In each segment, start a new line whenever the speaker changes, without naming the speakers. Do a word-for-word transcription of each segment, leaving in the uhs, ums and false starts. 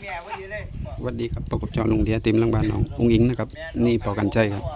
สวัสดีครับพบกับจอลุงเทียติมลังบานน้องอุ้งอิงนะครับนี่ปอกันใจครับ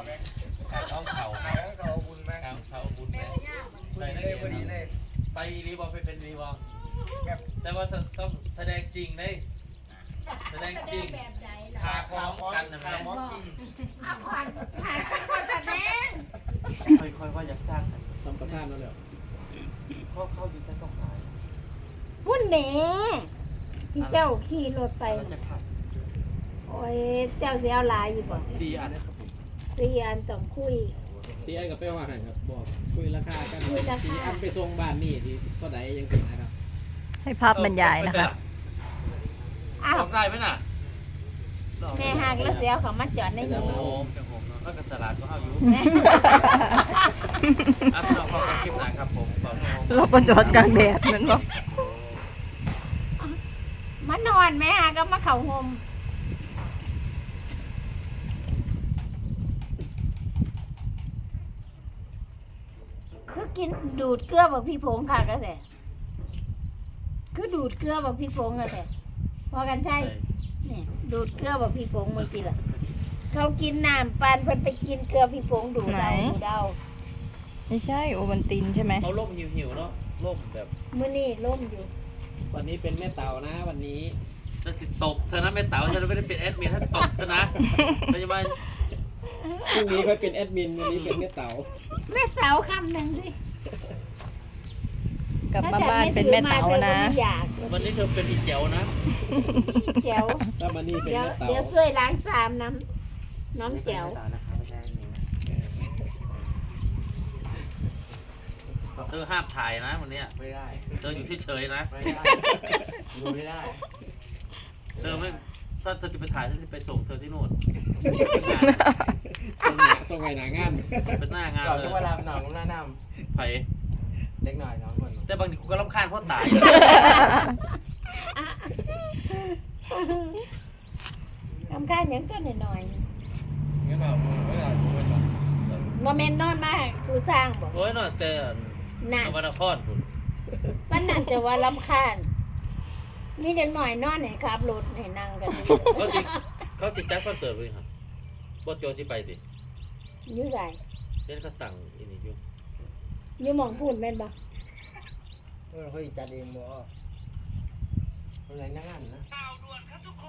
ไปรีบอลไปเป็นรีบอลแต่ว่าต้องแสดงจริงเลยแสดงจริงพาคล้องกันนะแม่เอาควันพาคนแสดงค่อยๆว่าอยากสร้างสัมปทานนั่นแหละเขาเข้าอยู่ใช้ต้องหาย
พุ่นเน่ที่เจ้าขี่รถไปโอ้ยเจ้าเสียหลายอยู่บ่
สี่อันนะครับผม
สี่อันต้องคุย
สี่อันกับเป้ว่าไงครับบอกคุยราคากัน
คุยราคา
สี่อันไปส่งบ้านนี่ที่ก็ได้ยังสินะครับ
ให้ภาพบรรยายนะคะ
อ้าว
บอกได้ไหมน่ะ
แม่หากแล้วเสียเขามาจอดใน
โอ้
นี้
โหแต่ผมเนาะแล้วก็ตลาดก็เอาอยู่อ่ะพี่น้องขอบคุณคลิปหนาครับผมขอบคุณ
เราก็จอดกลางแดดนั่นบอก
มานอนแม่หาก็มาเข่าห่มคือกินดูดเกลือแบบพี่ผงค่ะก็แต่คือดูดเกลือแบบพี่ผงก็แต่พอกันใช่เนี่ยดูดเกลือแบบพี่ผงเมื่อกี้ล่ะเขากินน้ำปันเพิ่นไปกินเกลือพี่ผงดูดเอาดูดเอา
ไม่ใช่โอวันตินใช่ไหม
เขาล่มหิวๆเนาะล่มแบบ
มื้อนี้ล่มอยู่
วันนี้เป็นแม่เต่านะวันนี้
จะสิตบเธอนะแม่เต๋าฉันไม่ได้เป็นแอดมินถ้าตบเธอนะพยาบาล
พรุ่งนี้ค่อยเป็นแอดมินวันนี้เป็นแม่เต่า
แม่เต๋าคำหนึ่งสิ
กลับมาบ้านเป็นแม่เต่านะ
ถ้าจำไม่ซื้อมาเธอก็ไม่อยาก
วันนี้เธอเป็นอีเจ๋วนะ
แจ๋ว
ถ้ามันนี่เป็น
เดี๋ยว
แม่เต่า
เดี๋ยวช่วยล้างสามน้ำน้ำแจ๋ว
เธอห้ามถ่ายนะวันนี้
ไม่ได้
เธออยู่เฉยๆนะ
ไม่ได้ดูไม่ได้
เธอไม่ถ้าเธอจะไปถ่ายฉันจะไปส่งเธอที่นู่น
ส่งหนาส่งไงหนางาน
เป็นหน้างาน
ก่อน
เลย
จะมาลาหนองหน้าน
ไผ่
ำเล็กหน่อยน้องคน
แต่บางทีกูก็รำคาญเพราะตาย
ทำการอย่างก็หน่อย
งั้นแบบไม่ได้ไม่ได้
ๆโมเมนต์นอนมากสูสร้างบอก
โอ้ยน่ะแต่
นั่น
นวันครคุณ
วันนั้นจะว่าลำคาญมีเด็กหน่อยนอนไหนขับรถให้นั่งกันอยู่
เขาสิเขาสิจัดคอนเสิร์ตเลยครับบอสโจสิไปสิ
อยู่ใส่
เล่นก็ตั้งอีนี่อยู่
อยู่หมองพูดแม่นบ่
เออเขาอีจัดเองบ่อะไรนั่งงานนะ
ข่าวด่วนครับทุกคน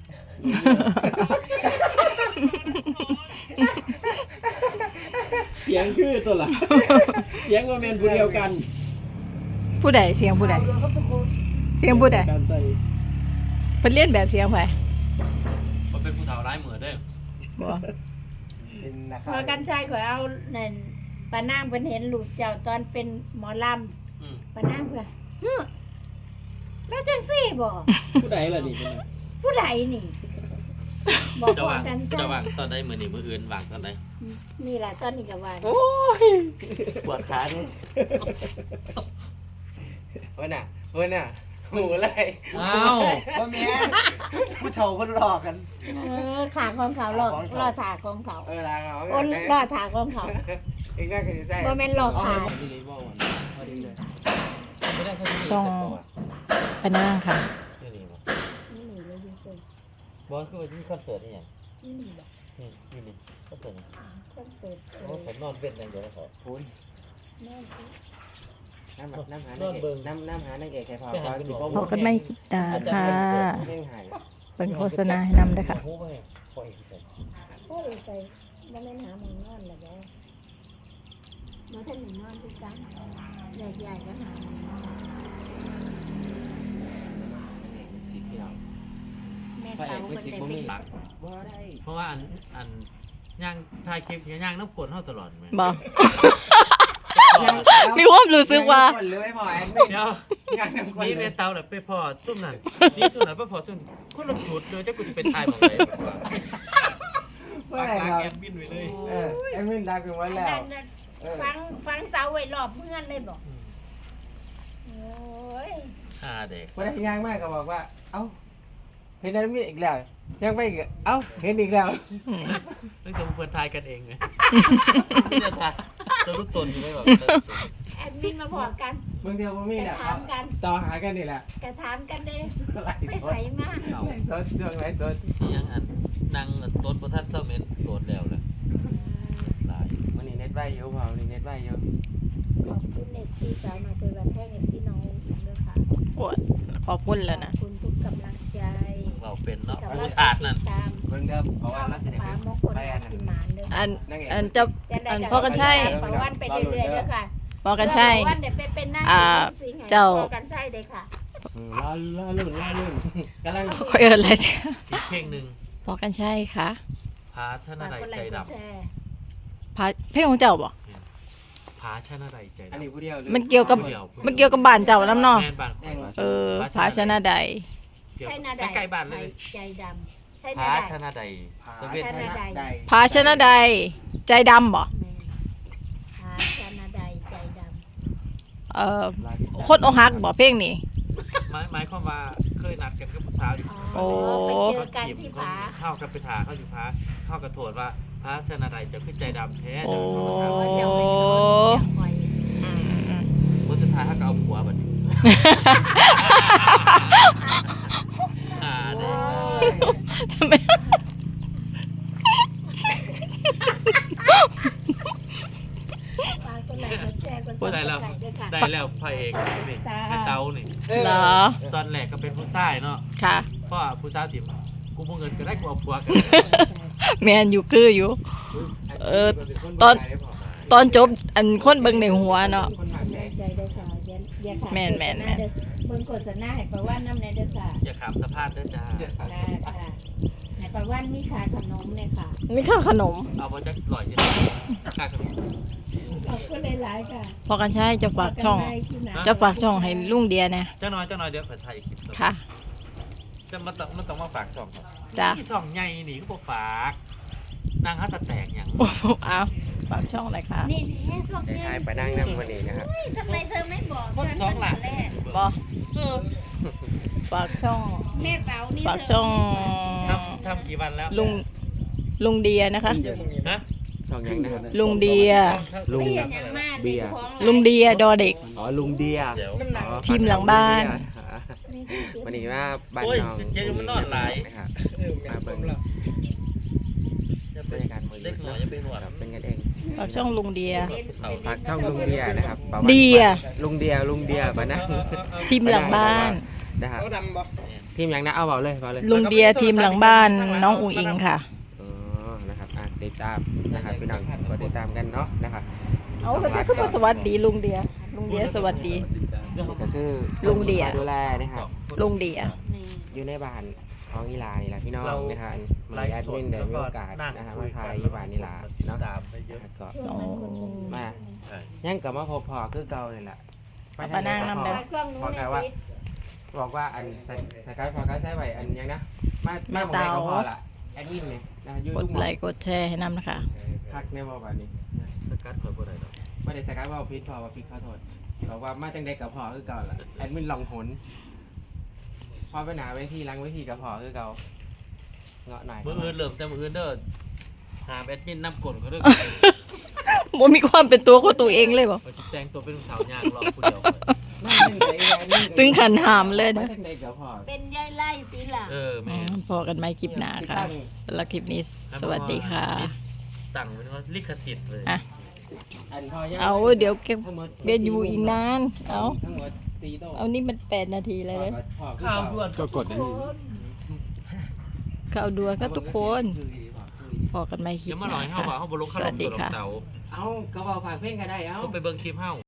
เสียงคือตัวละเสียงว่าแมนผู้เดียวกัน
ผู้ใดเสียงผู้ใดเสียงผู้ใด
การใส่
เป็นเลียนแบบเสียงไผ
มันเป็นผู้เฒ่าร้ายเหมือนเด้อ
บอก
เป็นนะค
พ
รั
อบ กันชายขอยเอานั่นปานางเพิ่นเห็นลูกเจ้าตอนเป็นหมอล
อืม
ำปานางเพิ่นฮึแล้วจังซี่บ่
ผู้ใดล่ะนี่เป็นไง
ผู้ใดนี่ บอก
จะ
พอ
วาง
กัน
จะ
จ้าว
างตอนใดมือหนีมืออื่นวางตอนใด
นี่แหละตอนนี้ก็ว่า
โอ้ยปวดขาดิ
เว้ยน่ะเว้ยน่ะหูอะไร
อ้าว
ว่าแม่ผู้เฒ่าเพิ่นหลอกกัน
เออขาของเขาหลอกรอถาของเขา
เออลาเขา
โอ้รอถาของเขา
เองน่าจะใส่
บ่แม่นหลอกขาย
ต้องไปนั่งค่ะ
นี่นี่มั้ง
นี่หนีเลยจริง
บอสคือว่าที่คอนเสิร์ตนี่ไง
ๆนี่หนีแบบ
นี่นี่นี่คอนเสิร์ตนี่
คอนเสิร์ตเอ
โอ้
อ
ผมนอนเว้นอย่างเดียวนะขอ
คุณ
แม่สิ
น้ำน้ำหาน้ำน้ำน้ำหาในเกศใครพาพาสิบ
พอกันไม่คิดตาค่ะ
แม่งหาย
เป็นโฆษณาให้นำด้วยค่ะ
หูไปพออีกเสร็จ
โอ้ยไปบ่แม่นหาหมึงนอนแล้วบ่บ่ทันได้นอนคือกันใหญ่ๆก็หาหมึงนอน
สิบพี่น้อง
แม่เต๋าเพิ่นได้ไป
หลัก
บ่ได้
เพราะว่าอันอันย่างถ่ายคลิปย่างน้ำกลนเท่าตลอดไหม
บอก มีความรู้สึกว่า
หรือไม่พอแอน
เดี๋ยว
งานน้ำคน
นี่
เล
เป็
ย
นเตาแหละไปพอจุ่มนั่นนี่จุ่มนั่นไปพอจุ่มคนละจุดเลยเจ้ากูจะเป็นทายหมดเลย
เมื่อไหร่ครับ
แอดมินไปเลย
เออแอดมินรักกันไว้แล้ว
อันนั้นน่ะฟังฟังเสาไว้รอบเมืองเลยบ่โอ้ย
อ่าเด็ก
วันนี้ย่างมากก็บอกว่า เอ้าเห็นนั้นมีอีกแล้วยังไม่อีกเอ้าเห็นอีกแล้ว
ต้องจะเพื่อนทายกันเองไงไม่ได้ทายตัวรู้ตนอยู่ไม่แบบ
แอดมินมาบอกกัน
บางทีผมมี
ก
เนี่
ระ
ย
ถามกัน
ต่อหากันนี่แหละ
กระถามกันเด้
ไหล
ไป
สด
ใส่มา
เอา
ไหลสดช่วงไลฟ์สด
ที่ยังอันนางต้นประทัดเจ้าเม็ดโดดแล้วเลยหลาย
วันนี้เน็ตไว้เยอะเปล่าวันนี้เน็ตไว้เยอะ
ขอบคุณเอฟซีสาวมาเจอกันแท่งเอฟซีน้องด้วยค่ะ
โอ้ยขอบคุณแล้วนะ
ขอบคุณทุกกำลังใจ
เราเป็นเนาะ
กับ
ผู้ชาตินั่น
ตาม
เบิ่งเด้อเพราะว่าเราแสดง
ปา
เป็น
มงคล
ไปอัน
กิน
นั้น
หมานเด้อ
อัน
นั่งเอง
อันจะ อันพ่อกันใช่
ประวันไปเรื่อยๆเด้อค่ะ
พอกันใช่
ประวันเดี๋ยวไปเป็นหน้า
อ่า
สิงห์ให้
เจ้า
พอกันใช่เลยค่ะ
อืมล่าล่าลื่นล่าลื่นกำลัง
ค่อยเอินอะไรจ้ะ
อีกเพลงหนึ่ง
พอกันใช่ค่ะ
พาชนะใดใจด
พาเพลงของเจ้าบ่
ำพาชนะใดใจ
อัน
ดำ
นี้ผู้เดียวเลย
มันเกี่ยวกับ
เดียว
มันเกี่ยวกับบ้านเจ้าน้ำเนอ
แม่นบ้านข่อยว่า
เออพาชนะใด
เกี่ยว
ใช่นาใด
ใกล้ๆบ้านเลย
ใจดำใช่นา
พา
ใด
ชนะใด
ผา
ตะเวท
ช
ช
นะ
นะ
ใด
พาชนะใดใจดำบ่
แม่หาชนะใดใจดำ
เอ่อคนอกหักบ่เพลงนี้
หมายหมายความว่าเคยนัดกันกับผู้สาวอยู่
อ๋อ
โอ้
ไปเจอกันที่ผา
เข้ากับไปถาเข้าอยู่พาเข้ากับโทษว่าพาชนะใดจะขึ้นใจดำแท้
โอ้
จะเข้ามาถาม
อ๋อจะไม่โดนจะปล่อย
อืมอืม
บนสุดท้ายเขาก็เอาผัวแบบนี้อ่าเด้
ทำไม
ฝากกดไลค์กดแชร์กดซับส
ได้
ไคร
แล้ว
ต์ด้วยค่ะ
ได้แล้วพระเอกนี่ไอ้เต้านี่
เหรอ
ตอนแรกก็เป็นผู้ชายเนาะ
ค่ะ
เพราะว่าผู้สาวถิ่มกูบ่เงินก็ได้กูเอาผัวกัน
แมนอยู่คืออยู่ เออตอน ตอนจบอันคนเบิ่งในหัวเนาะ
คนหมักแดง
ใจด้วยค่ะเดี๋ยวเดี๋ยวค่ะ
แม่นแม่นแม่น
เบิ่งโฆษณาให้ประวันน้ำในเด้อค่ะ
อย่าขามสะพานเด้อจ้า
ได้ค่ะให้ประวันมีขายขนมเลยค่ะ
นี่ข้าวขนม
เอามาจากลอยยังค่าขนม
ขอบคุณหลายๆค่ะ
พอกันใช้จะฝากช่อง
พบกันใหม่คลิปหน้า
จะฝากช่องให้ลุงเดียเนี่ย
เจ้าน้อยเจ้าน้อยเดี๋ยวขอถ่ายคลิปต่อ
ค่ะ
จะมันต้องมันต้องมาฝากช่องครับ
จ้ะ
ที่ช่องใหญ่นี่ก็บ่ฝากนางฮัสแตกหยัง
โอ้โหเอาฝากช่องหน่อยค่ะ
นี่แค่ส่ง
ได้
เนี่ย
ทายไปนั่งนั่งวันนี้นะครับ
ทำไมเธอไม่บอก
คน
ฉัน
สองหลัก
ตั้แต่แรก
บอ
เออ
ฝากช่อง
แม่เต๋านี่
ฝากช่อง
ทำทำกี่วันแล้ว
ลุงลุงเดียนะคะ
ฮะ
ช่องยังนะครับ
ลุงเดีย
ลุง
ไม่เห็นอย่างมาก
เบียร์
ลุงเดียดอเด็ก
อ๋อลุงเดีย
เดี๋ยว
อ๋อ
ทีมหลังบ้าน
วันนี้ว่าบ้าน
โอ้ย
น้อง
เจ๊มันนอนหลาย
นะครับมาเบิ่งบรรยากาศมื้อ
เล็กหน่อยจะเป็นหนวด
ครับเป็นกันเอง
ฝากช่องลุงเดีย
ฝากช่องลุงเดียนะครับประมาณ
เดีย
ลุงเดียลุงเดียปะนะ
ทีมหลังบ้าน
นะครับทีมยังนะเอาเบาเลยเบาเลย
ลุงเดียทีมหลังบ้านน้องอุ๋งอิงค่ะ
อ๋อนะครับอ่ะติดตามนะครับพี่น้องกดติดตามกันเนาะนะครับ
เอาเขาจะก็สวัสดีลุงเดีย ลุงเดียสวัสดี
นี่ก็คือ
ลุงเดีย
ดูแลนะครับ
ลุงเดีย
อยู่ในบ้านของอีหลานี่แหละพี่น้องนะครับมีแอดมินได้มีโอกาสนะครับมาพายอีบ้านอีหลาเนาะ
ตามไปเยอะ
ก็
โอ้
มา
ใช่
ยังกลับมาพบพอคือเก่าเลยแหละ
มานั่งนำเด้
ฝากช่องหนู้
พอน
ใน
กายว่า
ฟิต
บอกว่าอันสสกายพอกายใช้ไหวอันยังนะมามาหมดเลยก็พอละแอดมินเลยนะยู
กด
ทูบ
ไลค์กดแชร์ให้นำนะคะ
คักในบอกแบบนี้
สกัดข่อยบ่ได้ดอก
ไม่ได้สกายว่าพิษพอว่าพิษขอโทษบอกว่ามาจังใดกับพอคือเก่าละแอดมินลองหนพอไปหนาเวทีล้างเวทีกับพอคือเก่าเงาะหน่อย
มื้ออื่นเริ่มแต่มื้ออื่นเด้อหาแอดมินนำกลเขาเด้อ
โมมีความเป็นตัวของตัวเองเลยบ่
เขาสิแต่งตัวเป็นสาวยางรอผู้เดียว
ตึงขันหามเลย
มา
นะ
จังใดกับพอ
เป็นยายไล่ปีหลัง
เออ
อื
แม่
มพอกันไหมคลิปหน้าค่ะสำหรับคลิปนี้สวัสดีค่ะ
ตั้งไว้ว่าลิขสิทธิ์เลย
อ่ะ
อันพอยัง
เอาเดี๋ยวเก็บ
ทั้งหมด
เบียนอยู่อีกนาน เอา
ทั้งหมดสี่โต๊ะ
เอานี่มันแปดนาทีเลยเลย
ข่าวด่วน
ก็กดอันนี้
ข่าวดัวก็ทุกคน พอกันไหมคลิป
เดี๋ยวมา
ห
หน่
น้า
อยเฮาว่า
ค่ะ
เฮาบ่ลงข
ส
น
วั
ม
ส
ตั
ดี
วดอก
ค่ะ
เต๋า
เอากระเป๋าฝากเพลงก็ได้เอา
ก็ไปเบิ่งคลิปเฮา